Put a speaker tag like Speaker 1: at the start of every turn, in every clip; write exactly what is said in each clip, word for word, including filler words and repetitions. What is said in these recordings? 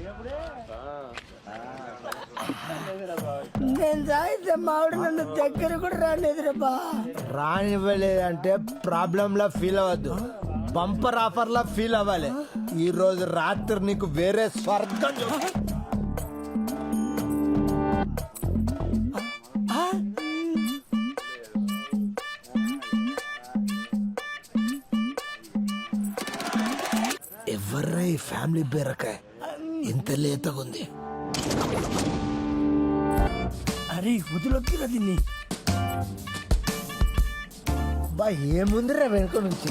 Speaker 1: నేను తాగితే మావిడ నన్ను దగ్గర కూడా రాలేదురా బా.
Speaker 2: రానివ్వలేదంటే ప్రాబ్లం లా ఫీల్ అవ్వద్దు, బంపర్ ఆఫర్ లా ఫీల్ అవ్వాలి. ఈ రోజు రాత్రి నీకు వేరే స్వర్గం చూ- ఎవర్రా ఈ ఫ్యామిలీ బీరకాయ ఇంత లేతగుంది?
Speaker 1: అరే వదిలొద్దురా దీన్ని.
Speaker 2: బా ఏముందిరా వెనుక నుంచి?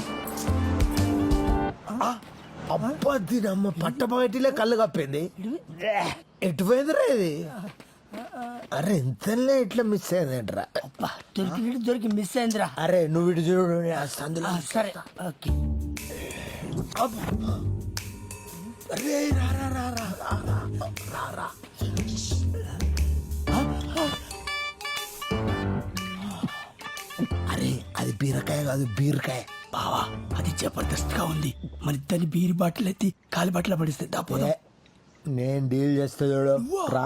Speaker 2: అబ్బా దీని అమ్మ పట్టపగటిలే కళ్ళు కప్పింది. ఎటుపోయిందిరా ఇది? అరే ఇంతలే ఇట్లా మిస్ అయిందేంట్రా?
Speaker 1: అబ్బా దొరికి దొరికి మిస్ అయిందిరా.
Speaker 2: అరే నువ్వు ఇటు చూడు, నేను ఆ సందులో.
Speaker 1: ఆ, సరే ఓకే.
Speaker 2: అరే రా రా రా రా రా రా రా. అరే అది బీరకాయ కాదు, బీరకాయ.
Speaker 1: బావా అది జబర్దస్త్ గా ఉంది. మరి దాన్ని బీరి బాటిల్ ఎత్తి కాలి బాటిల్ పడిస్తే దాపోదా.
Speaker 2: ఏ, నేను డీల్ చేస్తా చూడు. రా.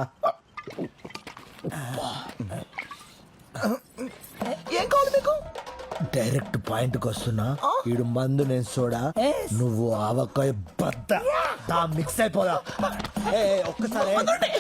Speaker 1: ఏం కావాలి మీకు?
Speaker 2: డైరెక్ట్ పాయింట్ కి వస్తున్నా. ఈడు మందు నేను సోడా, నువ్వు ఆవకాయ బద్ద. దా మిక్స్ అయిపోదా. ఏ, ఒక్కసారి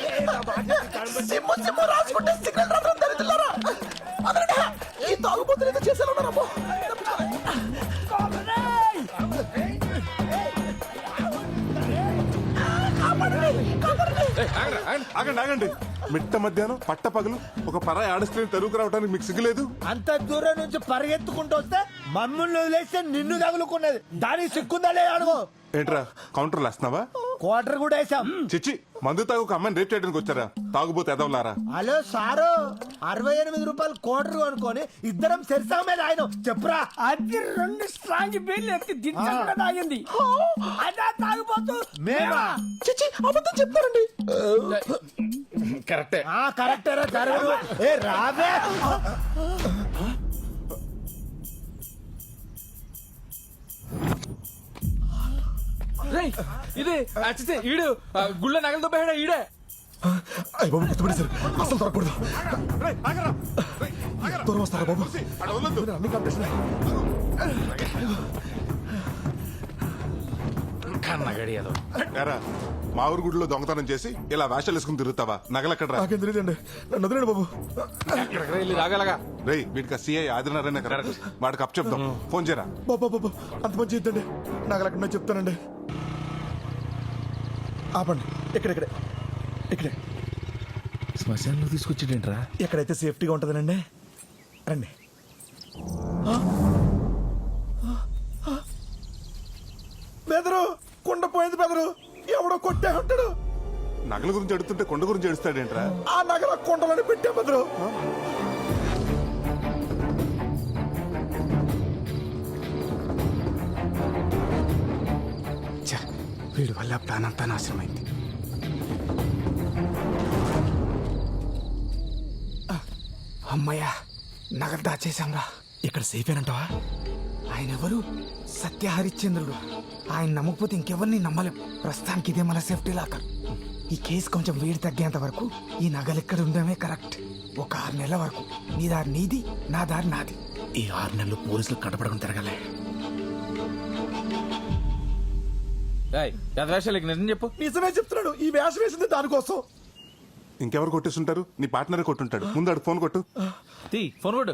Speaker 3: ఆగండి ఆగండి మిట్ట మధ్యాహ్నం పట్ట పగలు ఒక పరాయి ఆడస్ట్రీని తరువుకు రావడానికి మీకు సిగ్గులేదు?
Speaker 2: అంత దూరం నుంచి పరిగెత్తుకుంటూ వస్తే మమ్మల్ని వదిలేస్తే నిన్ను తగులుకున్నది. దానికి సిక్కుందా లేదా అడుగు.
Speaker 3: ఏంట్రా కౌంటర్లు వేస్తున్నావా?
Speaker 2: క్వార్టర్ కూడా వేసాం.
Speaker 3: చిచ్చి మందు తాగు ఒక అమ్మాయిని రేప్ చేయడానికి వచ్చారా? తాగుబోతే ఎదవలారా?
Speaker 2: హలో సారు, అరవై ఎనిమిది రూపాయలు క్వార్టర్ అనుకొని ఇద్దరం సెరిసా మీద ఆయన చెప్పురా.
Speaker 1: అది రెండు స్ట్రాంగ్ బీర్లు ఎత్తి దించకుండా తాగింది. అదా తాగిపోతూ
Speaker 2: మేమా?
Speaker 1: చిచ్చి అబద్ధం చెప్తారండి.
Speaker 3: కరెక్టే.
Speaker 2: ఆ కరెక్టరా జరగదు. ఏ రావే.
Speaker 4: ఇది అచ్చితే ఈడు గుళ్ళ నగలతో పోయాడా ఈడే?
Speaker 5: అయ్య బాబు గుర్తుపడి సార్, అసలు దొరకకూడదు.
Speaker 3: రేయ్, ఆగరా. రేయ్, ఆగరా.
Speaker 5: దూరం వస్తారా బాబు?
Speaker 3: అక్కడ వదలొద్దు.
Speaker 5: అన్ని కాంపిటీషన్.
Speaker 4: కన్నగడియదు.
Speaker 3: ఏరా, మా ఊరు గుడిలో దొంగతనం చేసి ఇలా వేషాలు వేసుకుని తిరుగుతావా? నగలెక్కడ్రా?
Speaker 5: నాకేం తెలియదండి, నన్ను వదిలేండి బాబు.
Speaker 4: ఎక్కడికి వెళ్ళి రాగలగా?
Speaker 3: రేయ్ వీడికి సిఐ ఆదినారాయణ కదా, వాడికి అప్ చెప్దాం. ఫోన్ చేయరా.
Speaker 5: బాబా బాబు అంత మంచి ఇద్దండి, నాకు ఎక్కడ చెప్తానండి. ఆపండి, ఇక్కడెక్కడే ఇక్కడే
Speaker 4: శ్మశానంలో తీసుకొచ్చేటేంట్రా?
Speaker 5: ఎక్కడైతే సేఫ్టీగా ఉంటుందనండి. రండి. బెదరు కుండ పోయింది బెదరు, ఎవడో కొట్టే ఉంటాడు.
Speaker 3: నగల గురించి అడుగుతుంటే కొండ గురించి అడుస్తాడేంట్రా?
Speaker 5: ఆ నగల కుండలని పెట్టే బెదరు.
Speaker 6: వీడి వల్ల ప్లాన్ అంతా నాశనమైంది. అమ్మయ్యా, నగలు దాచేశాంరా.
Speaker 5: ఇక్కడ సేఫ్ ఏనంటావా?
Speaker 6: ఆయన ఎవరు? సత్య హరిశ్చంద్రుడు. ఆయన నమ్మకపోతే ఇంకెవరిని నమ్మలేం. ప్రస్తుతానికి ఇదే మన సేఫ్టీ లాకర్. ఈ కేసు కొంచెం వేడి తగ్గేంత వరకు ఈ నగలు ఎక్కడ ఉండడమే కరెక్ట్. ఒక ఆరు నెలల వరకు నీ దారి నీది, నా దారి నాది.
Speaker 5: ఈ ఆరు నెలలు పోలీసులు కనపడకుండా తిరగలే.
Speaker 4: వేషాలకి నిజం చెప్పు.
Speaker 5: నిజమే చెప్తున్నాడు, ఈ వేషం వేసింది దానికోసం.
Speaker 3: ఇంకెవరు కొట్టేస్తుంటారు? నీ పార్ట్నరే కొట్టుంటాడు. ముందు అడు ఫోన్ కొట్టు.
Speaker 4: తీ ఫోన్ కొట్టు.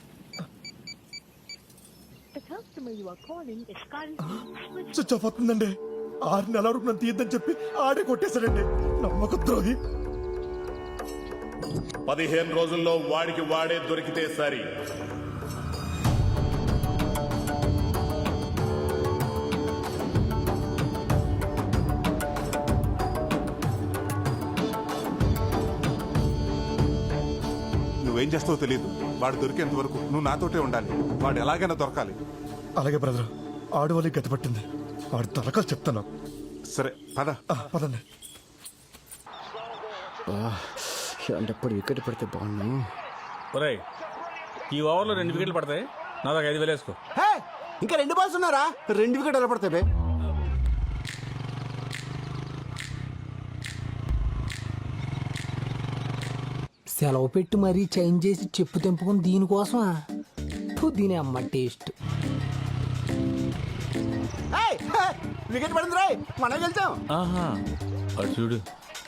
Speaker 5: స్విచ్ ఆఫ్ అవుతుందండి. ఆరు నెలల వరకు నన్ను తీయద్దని చెప్పి ఆడే కొట్టేశాడండి, నమ్మక ద్రోహి.
Speaker 7: పదిహేను రోజుల్లో వాడికి వాడే దొరికితే సరి.
Speaker 3: నువ్వేం చేస్తావో తెలియదు. వాడు దొరికేంత వరకు నువ్వు నాతోటే ఉండాలి. వాడు ఎలాగైనా దొరకాలి.
Speaker 5: అలాగే బ్రదర్, ఆడు వాళ్ళకి గతి పట్టింది. వాడు తలకాలు చెప్తాను.
Speaker 3: సరే పద.
Speaker 5: ఆ, పదండి.
Speaker 6: ఇలాంటప్పుడు వికెట్ పడితే బాగున్నాను.
Speaker 4: ఒరేయ్, ఈ ఓవర్లో రెండు వికెట్లు పడతాయి. నా దాకా ఐదు వేలు వేసుకో.
Speaker 6: ఇంకా రెండు బాల్స్ ఉన్నారా? రెండు వికెట్ ఎలా పడతాయి? సెలవు పెట్టి మరీ చేంజ్ చేసి చెప్పు తెంపుకుని దీనికోసమా ఫు, దీని అమ్మ టేస్ట్.
Speaker 5: వికెట్ పడింది రాయ్, మనం గెలిచాం.
Speaker 4: ఆహా అటు చూడు.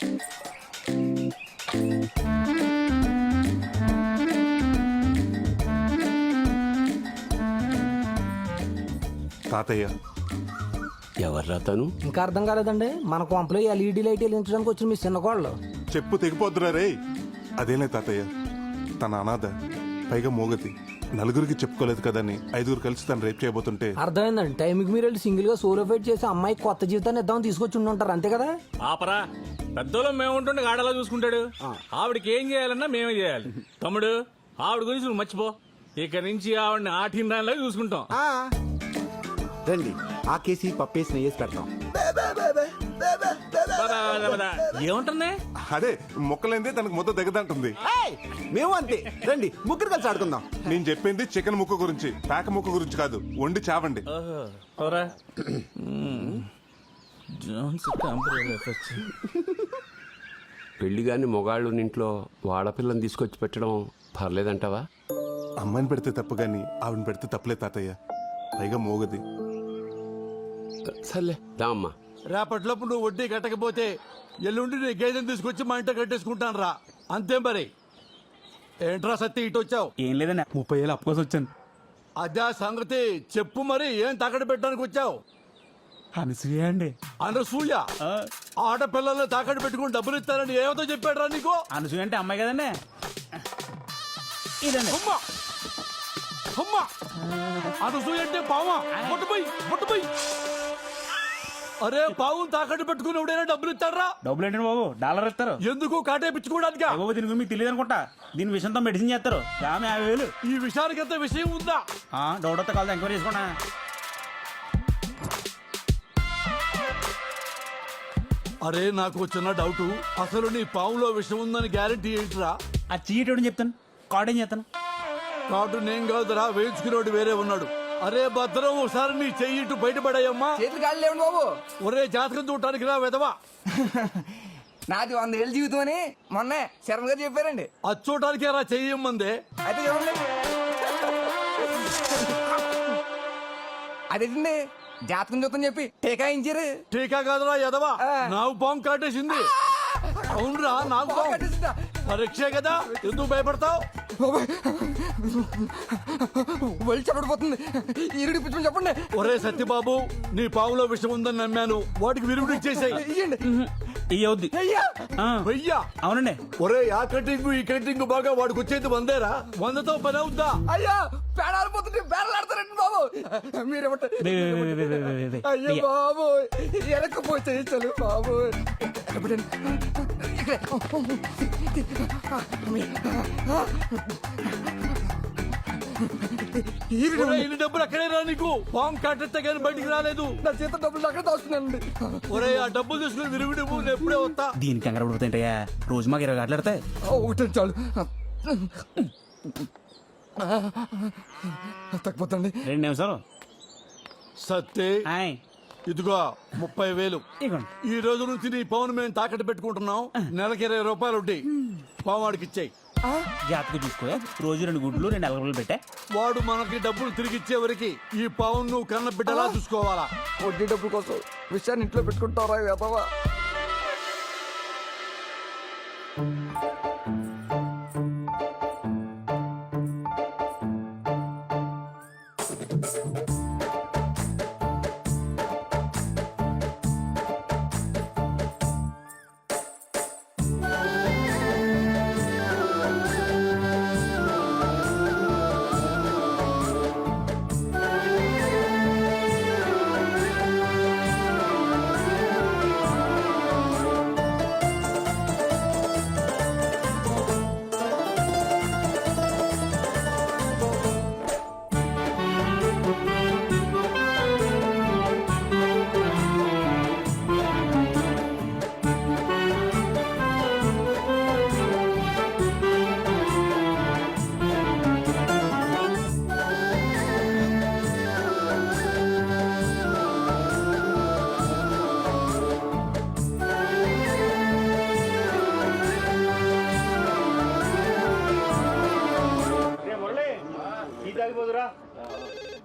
Speaker 3: తాతయ్య
Speaker 8: ఎవర్రా తను?
Speaker 6: ఇంకా అర్థం కాలేదండి, మన కొంపలో ఎల్ఈడి లైట్ వెలిగించడానికి వచ్చిన మీ చిన్న కోళ్ళు.
Speaker 3: చెప్పు తెగిపోద్దురా రే. అదేలే తాతయ్య, తన అనాథ, పైగా మోగతి, నలుగురికి చెప్పుకోలేదు కదని ఐదుగురు కలిసి తను రేపు చేయబోతుంటే.
Speaker 6: అర్థమైందండి, టైంకి మీరు వెళ్ళి సింగిల్ గా సోలో ఫైట్ చేసి అమ్మాయి కొత్త జీవితాన్ని ఇద్దామని తీసుకొచ్చి ఉండి ఉంటారు, అంతే కదా?
Speaker 4: ఆపరా, పెద్దోళ్ళం మేము ఉంటుండే గాడలా చూసుకుంటాడు. ఆవిడకి ఏం చేయాలన్నా మేమే చేయాలి. తమ్ముడు, ఆవిడ గురించి నువ్వు మర్చిపో. ఇక నుంచి ఆవిడని ఆటిన దానిలాగా చూసుకుంటాం.
Speaker 5: రండి, ఆ కేసి పప్పేసి నెయ్యేసి పెడతాం.
Speaker 4: పద, పద, పద. ఏముంటుంది?
Speaker 3: అదే మొక్కలైందే తనకు మొత్తం దగ్గదంటుంది.
Speaker 5: మేము అంతే, రండి ముగ్గురు కలిసి ఆడుకుందాం.
Speaker 3: నేను చెప్పింది చికెన్ ముక్క గురించి, పేక ముక్క గురించి కాదు. వండి చావండి.
Speaker 4: ఓహో, పదరా. Jones temporary effects.
Speaker 8: పెళ్లి గాని మొగాళ్ళు ఇంట్లో వాడపిల్లని తీసుకొచ్చి పెట్టడం పర్లేదంటావా?
Speaker 3: అమ్మాయిని పెడితే తప్పు గాని ఆవిడని పెడితే తప్పులే తాతయ్య, పైగా మోగది.
Speaker 8: సర్లే దా అమ్మా.
Speaker 9: రేపటిలోపు నువ్వు వడ్డీ కట్టకపోతే ఎల్లుండి నీ గేదెని తీసుకొచ్చి మా ఇంట కట్టేసుకుంటాను రా. అంతే మరి. ఏంట్రా సత్తి ఇటు వచ్చావు?
Speaker 4: ఏం లేదన్నా, ముప్పై ఏళ్ళు అప్పుకోసం వచ్చాను.
Speaker 9: అదే సంగతి చెప్పు మరి, ఏం తాకట్టు పెట్టడానికి వచ్చావు?
Speaker 4: అనసూయ అండి.
Speaker 9: అనసూయ ఆడపిల్లల్ని తాకట్టు పెట్టుకుని డబ్బులు ఇస్తానని ఏమతో చెప్పాడు రా నీకు?
Speaker 4: అనసూయ అంటే అమ్మాయి కదండి. ఇదండి.
Speaker 9: అమ్మా అమ్మా, అనసూయ అంటే పావా? ముట్టుపోయి ముట్టుపోయి. అరే, పావు తాకట్టు పెట్టుకుని ఎవడైనా డబ్బులు ఇస్తాడరా?
Speaker 4: డబ్బులు ఏంటండి బాబు, డాలర్ ఇస్తారు.
Speaker 9: ఎందుకు కాటేపించుకోవడానికి?
Speaker 4: బాబు దీని గురించి మీకు తెలియదు అనుకుంటా. దీని విషయంతో మెడిసిన్ చేస్తారు. ఆమె యాభై వేలు.
Speaker 9: ఈ విషయానికి ఎంత విషయం ఉందా?
Speaker 4: డౌట్ వస్తే కాదు, ఎంక్వైరీ చేసుకున్నా.
Speaker 9: అరే, నాకు చిన్న డౌట్. అసలు నీ పావులో విషయం ఉందని గ్యారెంటీ ఏంటిరా?
Speaker 4: ఆ చీటోడు చెప్తాను, కార్డ్ ఏం చేస్తాను.
Speaker 9: కాటు నేను కాదురా, వేయించుకునేవాడు వేరే ఉన్నాడు. అరే భద్రం, ఒకసారి నీ చెయ్యి ఇటు బయటపడాయమ్మా.
Speaker 6: చేతులు కాళ్ళు లేవండి బాబు.
Speaker 9: ఒరే, జాతకం చూడటానికి రా వెదవా.
Speaker 6: నాది వంద ఏళ్ళ జీవితం అని మొన్నే శరణ్ గారు చెప్పారండి.
Speaker 9: అది చూడటానికే రా చెయ్యమ్మందే.
Speaker 6: అయితే చూడండి, అదేంటండి జాతకం చూద్దాం చెప్పి టీకాయించారు.
Speaker 9: టీకా కాదురా ఎదవా, నాకు పాము కాటేసింది. అవునరా, నాకు పాము. పరీక్షే కదా, ఎందుకు భయపడతావు?
Speaker 6: వెళ్ళి చెప్పడిపోతుంది, ఈరుడి పిచ్చి చెప్పండి.
Speaker 9: ఒరే సత్యబాబు, నీ పావులో విషం ఉందని నమ్మాను, వాటికి విరుగుడు ఇచ్చేసాయి.
Speaker 4: ఇయ్యవుద్ది.
Speaker 9: వెయ్యా?
Speaker 4: అవునండి.
Speaker 9: ఒరే, ఆ కటింగ్ ఈ కటింగ్ బాగా వాడికి వచ్చేది వందేరా. వందతో పని అవుద్దా?
Speaker 6: అయ్యా, పేడాలిపోతుంటే పేడలాడతారండి బాబు. మీరేమంటారు? అయ్యో బాబు, వెనకపోతే చలు బాబు.
Speaker 9: ఒరే, ఇన్ని డబ్బులు అక్కడే రా నీకు. పాము కాటెత్తే కానీ బయటికి రాలేదు.
Speaker 6: నా చేత డబ్బులు అక్కడ దాస్తున్నానండి.
Speaker 9: ఒరే, ఆ డబ్బులు తీసుకుని విరుగుడు నేను ఎప్పుడే వస్తా.
Speaker 4: దీనికి కంగారు పడిపోతాయంటయ్యా, రోజు మాకు ఇరవై గంటలు ఆడతాయి.
Speaker 6: ఒకటి చాలు, తగ్గిపోతండి.
Speaker 4: రెండు నిమిషాలు.
Speaker 9: సత్తే,
Speaker 4: హాయ్.
Speaker 9: ఇదిగో ముప్పై వేలు.
Speaker 4: ఇగోండి.
Speaker 9: ఈ రోజు నుంచి నీ పవన్ మేము తాకట్టు పెట్టుకుంటున్నాం. నెలకి ఇరవై రూపాయలు ఉంటాయి. పావాడికి ఇచ్చాయి.
Speaker 4: జాతకు చూసుకో, రోజు రెండు గుడ్లు రెండు అలగలు పెట్టా.
Speaker 9: వాడు మనకి డబ్బులు తిరిగి ఇచ్చే వరకు ఈ పవన్ నువ్వు కన్న బిడ్డలా చూసుకోవాలా.
Speaker 6: వడ్డీ డబ్బుల కోసం విషయాన్ని ఇంట్లో పెట్టుకుంటారా వేదవా?
Speaker 7: టీ తాగిపోదురా